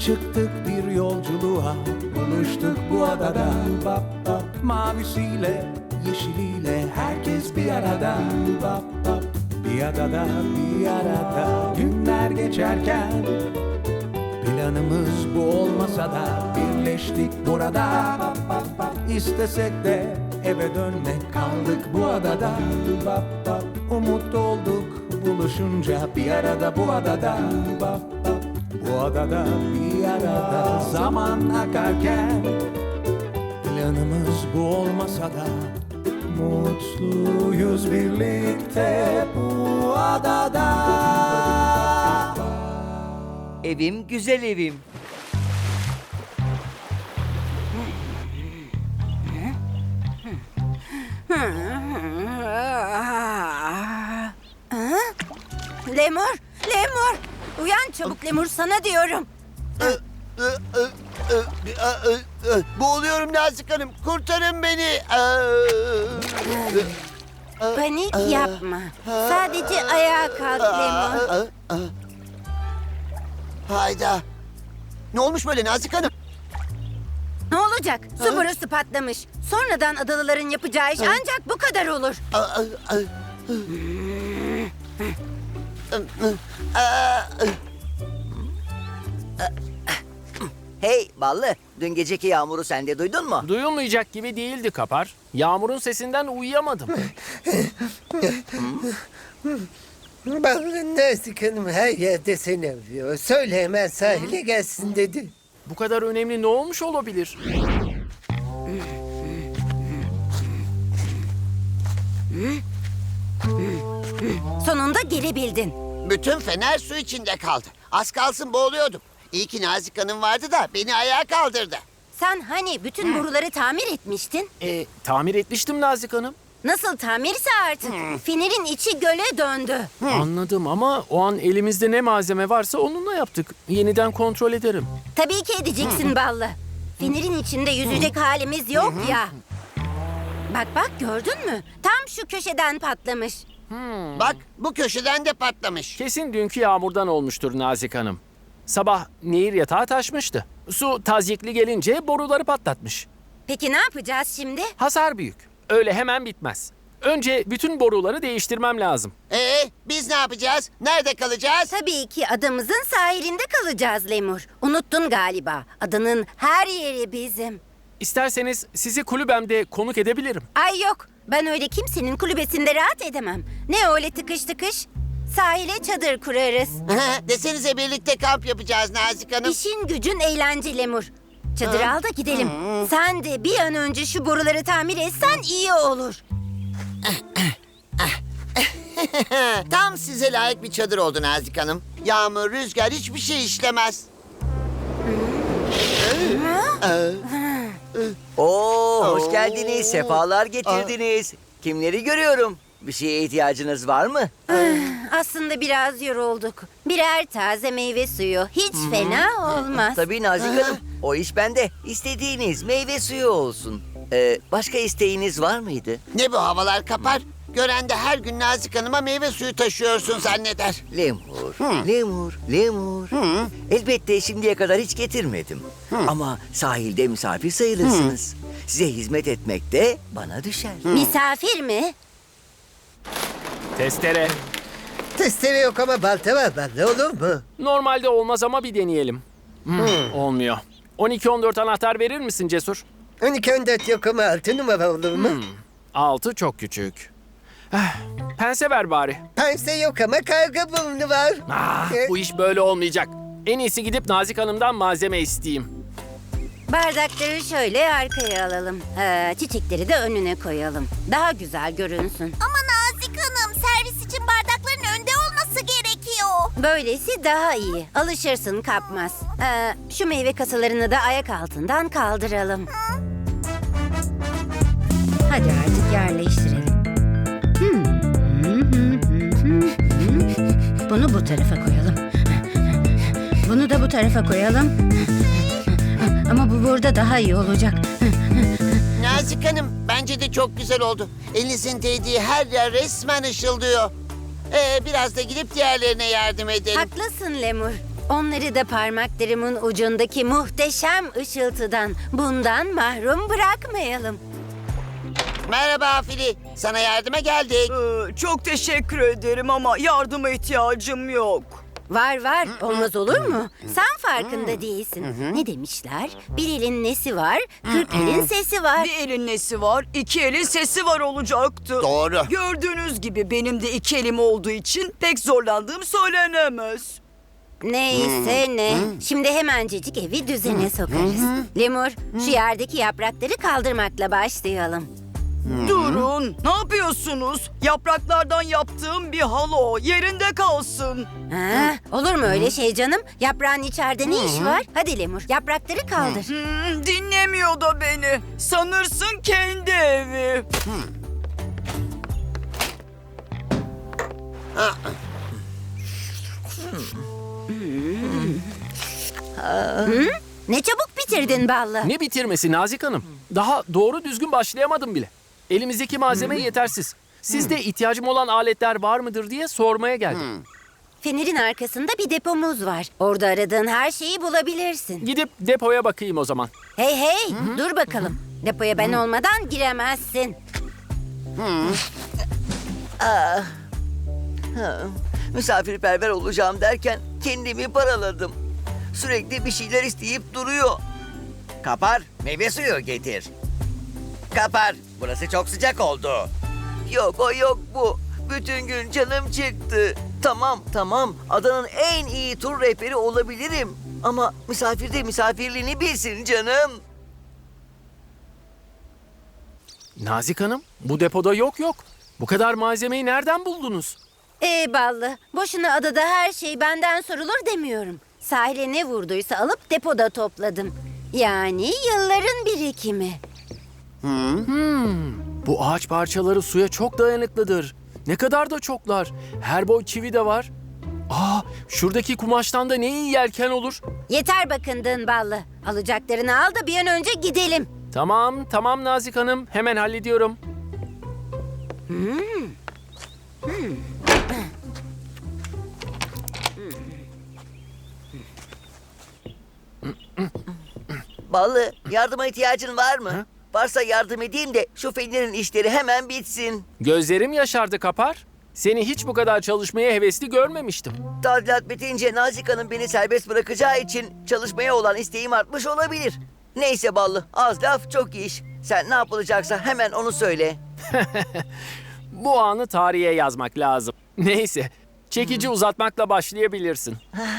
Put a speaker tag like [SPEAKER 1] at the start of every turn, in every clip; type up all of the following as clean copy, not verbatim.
[SPEAKER 1] Çıktık bir yolculuğa, buluştuk bu adada. Bap bap, mavisiyle, yeşiliyle herkes bir arada. Bap bap, bir adada, bir arada. Günler geçerken planımız bu olmasa da birleştik burada. Bap bap bap, istesek de eve dönmek, kaldık bu adada. Bap bap, umut olduk buluşunca bir arada bu adada. Bap bap, bu adada bir arada. Zaman akarken planımız bu olmasa da mutluyuz birlikte bu adada.
[SPEAKER 2] Evim güzel evim.
[SPEAKER 3] Lemur, Lemur. Uyan çabuk Lemur, sana diyorum.
[SPEAKER 4] Boğuluyorum Nazik Hanım. Kurtarın beni.
[SPEAKER 3] Panik yapma. Sadece ayağa kalk Lemur.
[SPEAKER 4] Hayda. Ne olmuş böyle Nazik Hanım?
[SPEAKER 3] Ne olacak? Su borusu patlamış. Sonradan adalıların yapacağı iş ancak bu kadar olur.
[SPEAKER 2] Hey Ballı, dün geceki yağmuru sen de duydun mu?
[SPEAKER 5] Duyulmayacak gibi değildi Kapar. Yağmurun sesinden uyuyamadım.
[SPEAKER 6] Ballı Nazik Hanım her yerde seni arıyor. Söyle hemen sahile gelsin dedi.
[SPEAKER 5] Bu kadar önemli ne olmuş olabilir?
[SPEAKER 3] Sonunda gelebildin.
[SPEAKER 4] Bütün fener su içinde kaldı. Az kalsın boğuluyordum. İyi ki Nazik Hanım vardı da beni ayağa kaldırdı.
[SPEAKER 3] Sen hani bütün boruları tamir etmiştin?
[SPEAKER 5] Tamir etmiştim Nazik Hanım.
[SPEAKER 3] Nasıl tamirse artık. Fenerin içi göle döndü.
[SPEAKER 5] Anladım ama o an elimizde ne malzeme varsa onunla yaptık. Yeniden kontrol ederim.
[SPEAKER 3] Tabii ki edeceksin Ballı. Fenerin içinde yüzecek halimiz yok ya. Bak bak, gördün mü? Tam şu köşeden patlamış.
[SPEAKER 4] Bak bu köşeden de patlamış.
[SPEAKER 5] Kesin dünkü yağmurdan olmuştur Nazik Hanım. Sabah nehir yatağı taşmıştı. Su tazyikli gelince boruları patlatmış.
[SPEAKER 3] Peki ne yapacağız şimdi?
[SPEAKER 5] Hasar büyük. Öyle hemen bitmez. Önce bütün boruları değiştirmem lazım.
[SPEAKER 4] Biz ne yapacağız? Nerede kalacağız?
[SPEAKER 3] Tabii ki adamızın sahilinde kalacağız Lemur. Unuttun galiba. Adanın her yeri bizim.
[SPEAKER 5] İsterseniz sizi kulübemde konuk edebilirim.
[SPEAKER 3] Ay yok, ben öyle kimsenin kulübesinde rahat edemem. Ne öyle tıkış tıkış? Sahile çadır kurarız.
[SPEAKER 4] Desenize birlikte kamp yapacağız Nazik Hanım.
[SPEAKER 3] İşin gücün eğlence Lemur. Çadır al da gidelim. Sen de bir an önce şu boruları tamir etsen iyi olur.
[SPEAKER 4] Tam size layık bir çadır oldu Nazik Hanım. Yağmur, rüzgar hiçbir şey işlemez.
[SPEAKER 2] Oo, hoş geldiniz, sefalar getirdiniz. Kimleri görüyorum? Bir şeye ihtiyacınız var mı?
[SPEAKER 3] Aslında biraz yorulduk. Birer taze meyve suyu hiç fena olmaz.
[SPEAKER 2] Tabii Nazik Hanım, o iş bende. İstediğiniz meyve suyu olsun. Başka isteğiniz var mıydı?
[SPEAKER 4] Ne bu havalar Kapar? Gören de her gün Nazik Hanım'a meyve suyu taşıyorsun zanneder.
[SPEAKER 2] Lemur. Elbette şimdiye kadar hiç getirmedim. Ama sahilde misafir sayılırsınız. Size hizmet etmek de bana düşer.
[SPEAKER 3] Misafir mi?
[SPEAKER 5] Testere.
[SPEAKER 6] Testere yok ama balta var Ballı, olur mu?
[SPEAKER 5] Normalde olmaz ama bir deneyelim. Olmuyor. 12-14 anahtar verir misin Cesur?
[SPEAKER 6] 12-14 yok ama 6 numara olur mu?
[SPEAKER 5] 6 çok küçük. Pense ver bari.
[SPEAKER 6] Pense yok ama karga burnu var.
[SPEAKER 5] Bu iş böyle olmayacak. En iyisi gidip Nazik Hanım'dan malzeme isteyeyim.
[SPEAKER 3] Bardakları şöyle arkaya alalım. Çiçekleri de önüne koyalım. Daha güzel görünsün.
[SPEAKER 7] Ama Nazik Hanım, servis için bardakların önde olması gerekiyor.
[SPEAKER 3] Böylesi daha iyi. Alışırsın, kapmaz. Şu meyve kasalarını da ayak altından kaldıralım. Hadi artık yerleştirelim. Bunu bu tarafa koyalım. Bunu da bu tarafa koyalım. Ama bu burada daha iyi olacak.
[SPEAKER 4] Nazik Hanım, bence de çok güzel oldu. Elinizin değdiği her yer resmen ışıldıyor. Biraz da gidip diğerlerine yardım edelim.
[SPEAKER 3] Haklısın Lemur. Onları da parmaklarımın ucundaki muhteşem ışıltıdan, bundan mahrum bırakmayalım.
[SPEAKER 4] Merhaba Fili. Sana yardıma geldik.
[SPEAKER 8] Çok teşekkür ederim ama yardıma ihtiyacım yok.
[SPEAKER 3] Var, olmaz olur mu? Sen farkında değilsin. Ne demişler? Bir elin nesi var, 40 elin sesi var.
[SPEAKER 8] Bir elin nesi var, iki elin sesi var olacaktı.
[SPEAKER 4] Doğru.
[SPEAKER 8] Gördüğünüz gibi benim de iki elim olduğu için pek zorlandığım söylenemez.
[SPEAKER 3] Neyse ne. Şimdi hemencecik evi düzene sokarız. Lemur, şu yerdeki yaprakları kaldırmakla başlayalım.
[SPEAKER 8] Durun, ne yapıyorsunuz? Yapraklardan yaptığım bir halo yerinde kalsın.
[SPEAKER 3] Ha, olur mu öyle şey canım? Yaprağın içeride ne işi var? Hadi Lemur, yaprakları kaldır.
[SPEAKER 8] Dinlemiyor da beni. Sanırsın kendi evi.
[SPEAKER 3] Ne çabuk bitirdin Ballı.
[SPEAKER 5] Ne bitirmesi Nazik Hanım? Daha doğru düzgün başlayamadım bile. Elimizdeki malzeme yetersiz. Sizde ihtiyacım olan aletler var mıdır diye sormaya geldim.
[SPEAKER 3] Fenerin arkasında bir depomuz var. Orada aradığın her şeyi bulabilirsin.
[SPEAKER 5] Gidip depoya bakayım o zaman.
[SPEAKER 3] Hey, dur bakalım. Depoya ben olmadan giremezsin.
[SPEAKER 2] Misafirperver olacağım derken kendimi paraladım. Sürekli bir şeyler isteyip duruyor. Kapar, meyve suyu getir. Kapar, burası çok sıcak oldu. Yok o yok bu. Bütün gün canım çıktı. Tamam. Adanın en iyi tur rehberi olabilirim. Ama misafir de misafirliğini bilsin canım.
[SPEAKER 5] Nazik Hanım, bu depoda yok. Bu kadar malzemeyi nereden buldunuz?
[SPEAKER 3] Ballı, boşuna adada her şey benden sorulur demiyorum. Sahile ne vurduysa alıp depoda topladım. Yani yılların birikimi.
[SPEAKER 5] Bu ağaç parçaları suya çok dayanıklıdır. Ne kadar da çoklar. Her boy çivi de var. Şuradaki kumaştan da ne iyi yelken olur.
[SPEAKER 3] Yeter bakındığın Ballı. Alacaklarını al da bir an önce gidelim.
[SPEAKER 5] Tamam Nazik Hanım. Hemen hallediyorum.
[SPEAKER 2] Ballı, yardıma ihtiyacın var mı? Varsa yardım edeyim de şu fenerin işleri hemen bitsin.
[SPEAKER 5] Gözlerim yaşardı Kapar. Seni hiç bu kadar çalışmaya hevesli görmemiştim.
[SPEAKER 2] Tadilat bitince Nazik Hanım beni serbest bırakacağı için çalışmaya olan isteğim artmış olabilir. Neyse Ballı, az laf çok iş. Sen ne yapılacaksa hemen onu söyle.
[SPEAKER 5] Bu anı tarihe yazmak lazım. Neyse, çekici uzatmakla başlayabilirsin.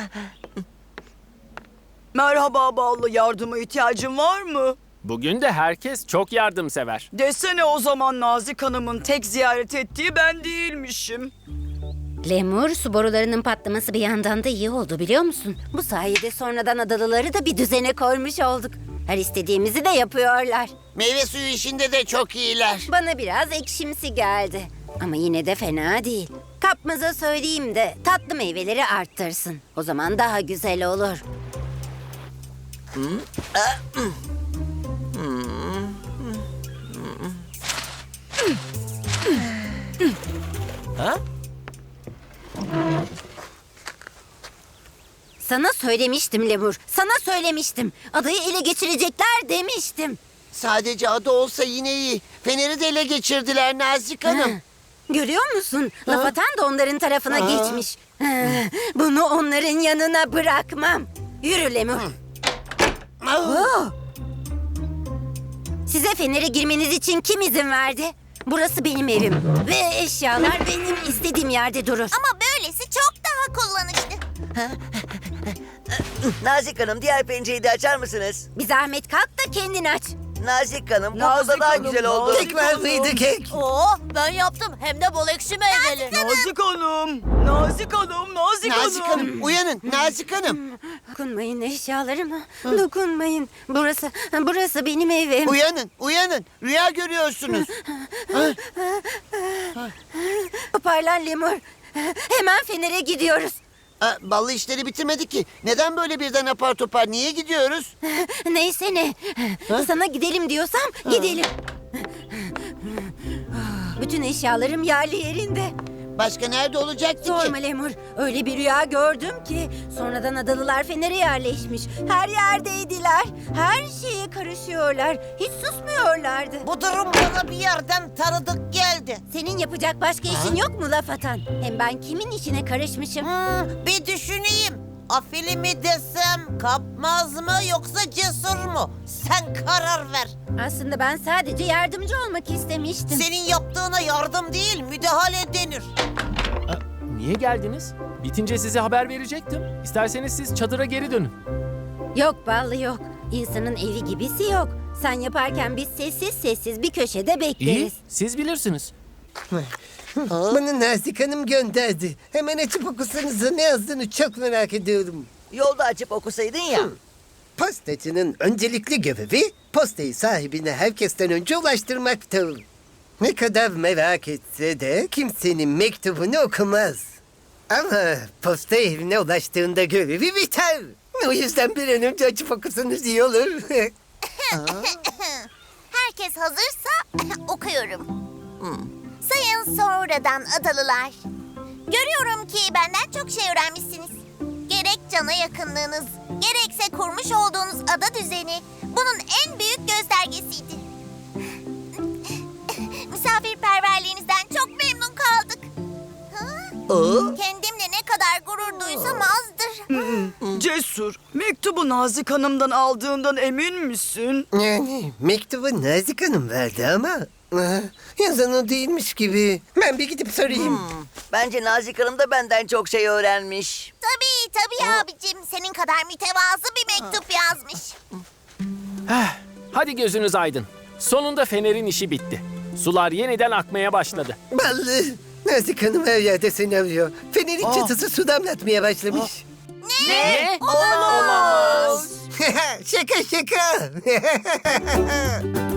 [SPEAKER 8] Merhaba Ballı, yardıma ihtiyacın var mı?
[SPEAKER 5] Bugün de herkes çok yardımsever.
[SPEAKER 8] Desene o zaman Nazik Hanım'ın tek ziyaret ettiği ben değilmişim.
[SPEAKER 3] Lemur, su borularının patlaması bir yandan da iyi oldu biliyor musun? Bu sayede sonradan adalıları da bir düzene koymuş olduk. Her istediğimizi de yapıyorlar.
[SPEAKER 4] Meyve suyu işinde de çok iyiler.
[SPEAKER 3] Bana biraz ekşimsi geldi. Ama yine de fena değil. Kapmaza söyleyeyim de tatlı meyveleri arttırsın. O zaman daha güzel olur. Sana söylemiştim Lemur. Sana söylemiştim. Adayı ele geçirecekler demiştim.
[SPEAKER 4] Sadece adı olsa yine iyi. Feneri de ele geçirdiler Nazik Hanım.
[SPEAKER 3] Görüyor musun? Laf atan da onların tarafına geçmiş. Bunu onların yanına bırakmam. Yürü Lemur. Size Fener'e girmeniz için kim izin verdi? Burası benim evim. Ve eşyalar benim istediğim yerde durur.
[SPEAKER 7] Ama böylesi çok daha kullanışlı.
[SPEAKER 2] Nazik Hanım, diğer pencereyi de açar mısınız?
[SPEAKER 3] Bir zahmet kalk da kendin aç.
[SPEAKER 2] Nazik Hanım, bu
[SPEAKER 8] Nazik
[SPEAKER 2] oda daha
[SPEAKER 8] Hanım,
[SPEAKER 2] güzel oldu.
[SPEAKER 8] Nazik
[SPEAKER 6] Kek var mıydı kek?
[SPEAKER 7] Oo, ben yaptım. Hem de bol ekşi meyveli.
[SPEAKER 8] Nazik Hanım, Nazik Hanım, Nazik
[SPEAKER 4] Nazik Hanım uyanın Nazik Hanım.
[SPEAKER 3] Dokunmayın eşyalarıma. Dokunmayın. Burası benim evim.
[SPEAKER 4] Uyanın. Rüya görüyorsunuz.
[SPEAKER 3] Toparlan Lemur. Hemen Fener'e gidiyoruz.
[SPEAKER 4] Ballı işleri bitirmedik ki. Neden böyle birden apar topar? Niye gidiyoruz?
[SPEAKER 3] Neyse ne. Sana gidelim diyorsam gidelim. Bütün eşyalarım yerli yerinde.
[SPEAKER 4] Başka nerede olacaktı ki?
[SPEAKER 3] Sorma Lemur. Öyle bir rüya gördüm ki sonradan adalılar Fener'e yerleşmiş. Her yerdeydiler. Her şeye karışıyorlar. Hiç susmuyorlardı.
[SPEAKER 9] Bu durum bana bir yerden tanıdık geldi.
[SPEAKER 3] Senin yapacak başka işin yok mu laf atan? Hem ben kimin işine karışmışım?
[SPEAKER 9] Bir düşüneyim. Afili mi desem, kapmaz mı yoksa cesur mu? Sen karar ver.
[SPEAKER 3] Aslında ben sadece yardımcı olmak istemiştim.
[SPEAKER 9] Senin yaptığına yardım değil, müdahale denir.
[SPEAKER 5] Niye geldiniz? Bitince size haber verecektim. İsterseniz siz çadıra geri dönün.
[SPEAKER 3] Yok Ballı yok. İnsanın evi gibisi yok. Sen yaparken biz sessiz sessiz bir köşede
[SPEAKER 5] İyi,
[SPEAKER 3] bekleriz.
[SPEAKER 5] siz bilirsiniz.
[SPEAKER 6] Bunu Nazik Hanım gönderdi. Hemen açıp okusanıza ne yazdığını çok merak ediyorum.
[SPEAKER 2] Yolda açıp okusaydın ya.
[SPEAKER 6] Postacının öncelikli görevi postayı sahibine herkesten önce ulaştırmaktır. Ne kadar merak etse de kimsenin mektubunu okumaz. Ama posta evine ulaştığında görevi biter. O yüzden bir an önce açıp okusanız iyi olur.
[SPEAKER 7] Herkes hazırsa okuyorum. Sayın sonradan adalılar. Görüyorum ki benden çok şey öğrenmişsiniz. Gerek cana yakınlığınız, gerekse kurmuş olduğunuz ada düzeni bunun en büyük göstergesiydi. Misafirperverliğinizden çok memnun kaldık. Kendimle ne kadar gurur duysam azdır.
[SPEAKER 8] Cesur, mektubu Nazik Hanım'dan aldığından emin misin?
[SPEAKER 6] Yani mektubu Nazik Hanım verdi ama yazan o değilmiş gibi. Ben bir gidip sorayım.
[SPEAKER 2] Bence Nazik Hanım da benden çok şey öğrenmiş.
[SPEAKER 7] Tabii abicim. Senin kadar mütevazı bir mektup yazmış.
[SPEAKER 5] Hadi gözünüz aydın. Sonunda Fener'in işi bitti. Sular yeniden akmaya başladı.
[SPEAKER 6] Ballı. Nazik Hanım her yerde seni arıyor. Fener'in çatısı su damlatmaya başlamış.
[SPEAKER 5] Ne?
[SPEAKER 6] Şaka şaka.